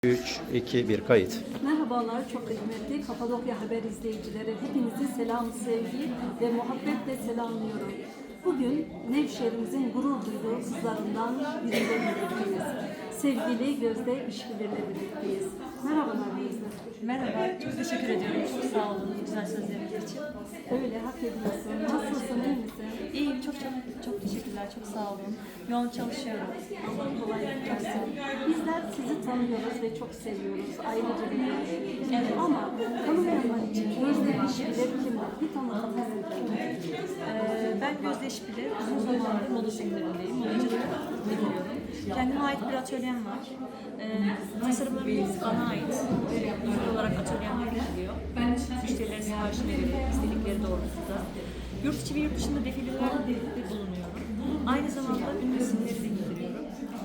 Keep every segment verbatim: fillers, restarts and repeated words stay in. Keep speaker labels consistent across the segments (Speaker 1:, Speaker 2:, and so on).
Speaker 1: üç, iki, bir kayıt.
Speaker 2: Merhabalar, çok kıymetli Kapadokya Haber izleyicileri. Hepinizi selam, sevgi ve muhabbetle selamlıyorum. Bugün Nevşehir'imizin gurur duyduğu kızlarından biriyle birlikteyiz. Sevgili Gözde İşbilir'le birlikteyiz. Merhabalar Gözde.
Speaker 3: Merhaba, çok teşekkür ediyorum. Çok sağ olun güzel sözleriniz için.
Speaker 2: Öyle, hak ediyorsun. Nasılsın, iyi misin?
Speaker 3: İyiyim, çok çok çok teşekkürler, çok sağ olun. Yoğun çalışıyorum.
Speaker 2: Allah kolaylık versin. Bizler sizi tanıyoruz ve çok seviyoruz. Ayrıca bir görüşüyoruz.
Speaker 3: Evet.
Speaker 2: Ama tanımayanlar için Gözde İşbilir kimdir? Bir tanıtalım.
Speaker 3: Ee, ben Gözde İşbilir, uzun zamandır moda sektöründeyim, modacılık yapıyorum. Kendime ait bir atölyem var. Ee, tasarımlarım bana ait ve özel olarak atölyem üretiliyor. Müşterilere siparişini veriyorum, istedikleri doğrultuda. Yurt içi ve yurt dışında defilelerde bulunuyorum. Aynı zamanda ünlü isimleri de indiriyorum.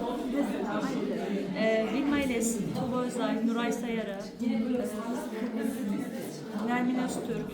Speaker 3: Ee, Vilma İles, Tuğba Özay, Nuray Sayarı, e, Nermin Öztürk.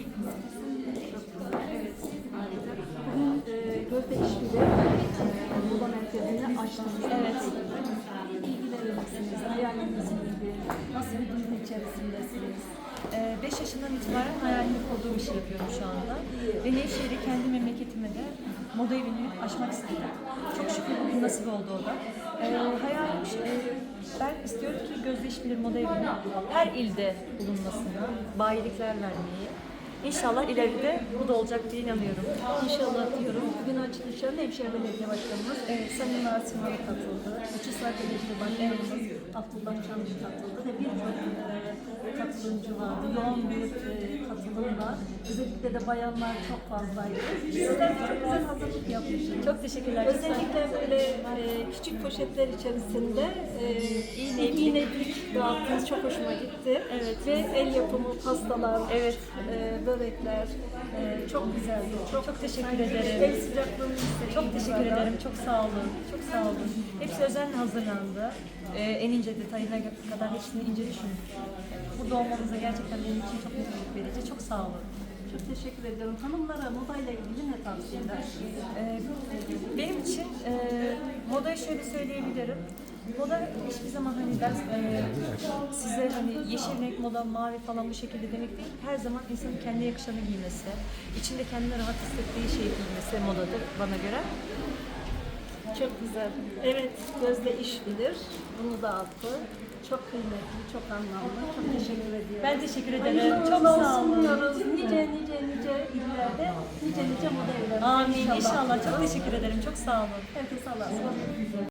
Speaker 2: Bugün e, Gözde İşbilir e, moda merkezini açtınız.
Speaker 3: Evet.
Speaker 2: İlgilenir misiniz? Hayaliniz neydi? Nasıl bir duygu içerisindesiniz?
Speaker 3: beş yaşından itibaren hayalini kurduğum işi yapıyorum şu anda. Ve Nevşehir'i kendi memleketime de moda evini açmak istedim. Çok şükür bugün nasip oldu o da. Ee, hayalim şu, e, ben istiyorum ki Gözde İşbilir Moda Evi'nin her ilde bulunmasını, bayilikler vermeyi. İnşallah ileride bu da olacak diye inanıyorum.
Speaker 2: İnşallah diyorum. Bugün açılışa Nevşehir Belediye Başkanımız evet. Sayın Narsimalı katıldı. Uçuşlar Belediye Başkanımız Abdullah Çamlı katıldı ve birçok e, katılımcı vardı. Yoğun bir e, katılımla. Özellikle de bayanlar çok fazlaydı. Sizler de çok güzel hazırlık yapmışsınız.
Speaker 3: Çok teşekkürler.
Speaker 2: Özellikle böyle e, küçük poşetler içerisinde e, iğne, iğnecik dağıttınız. Çok hoşuma gitti.
Speaker 3: Evet.
Speaker 2: Ve el yapımı pastalar,
Speaker 3: Evet.
Speaker 2: e, börekler e, çok güzeldi. Çok,
Speaker 3: Çok teşekkür
Speaker 2: El
Speaker 3: ederim.
Speaker 2: sıcaklığını hissettim.
Speaker 3: Çok teşekkür ederim. Çok sağ olun. Çok sağ olun. Hepsi özenle hazırlandı. Ee, en ince detayına kadar hepsini ince düşündük. Burada olmanıza gerçekten benim için çok mutluluk verici. Çok sağ olun.
Speaker 2: Çok teşekkür ediyorum. Hanımlara modayla ilgili ne tavsiye edersiniz?
Speaker 3: Ee, benim için e, modayı şöyle söyleyebilirim. Moda hiçbir zaman hani ben e, size hani yeşil renk moda, mavi falan bu şekilde demek değil. Her zaman insanın kendine yakışanı giymesi, içinde kendini rahat hissettiği şeyi giymesi modadır bana göre.
Speaker 2: Çok güzel. Evet, Gözde İşbilir. Bunu da attı. Çok kıymetli, çok anlamlı. Çok teşekkür ediyorum.
Speaker 3: Ben teşekkür ederim.
Speaker 2: Hayırlı
Speaker 3: Çok
Speaker 2: uğurlu
Speaker 3: sağ
Speaker 2: olsun
Speaker 3: olun.
Speaker 2: diyoruz. Nice nice nice illerde, nice nice moda evlerinde.
Speaker 3: Amin. İnşallah. Çok teşekkür ederim. Çok sağ olun.
Speaker 2: Herkese Allah'a emanet.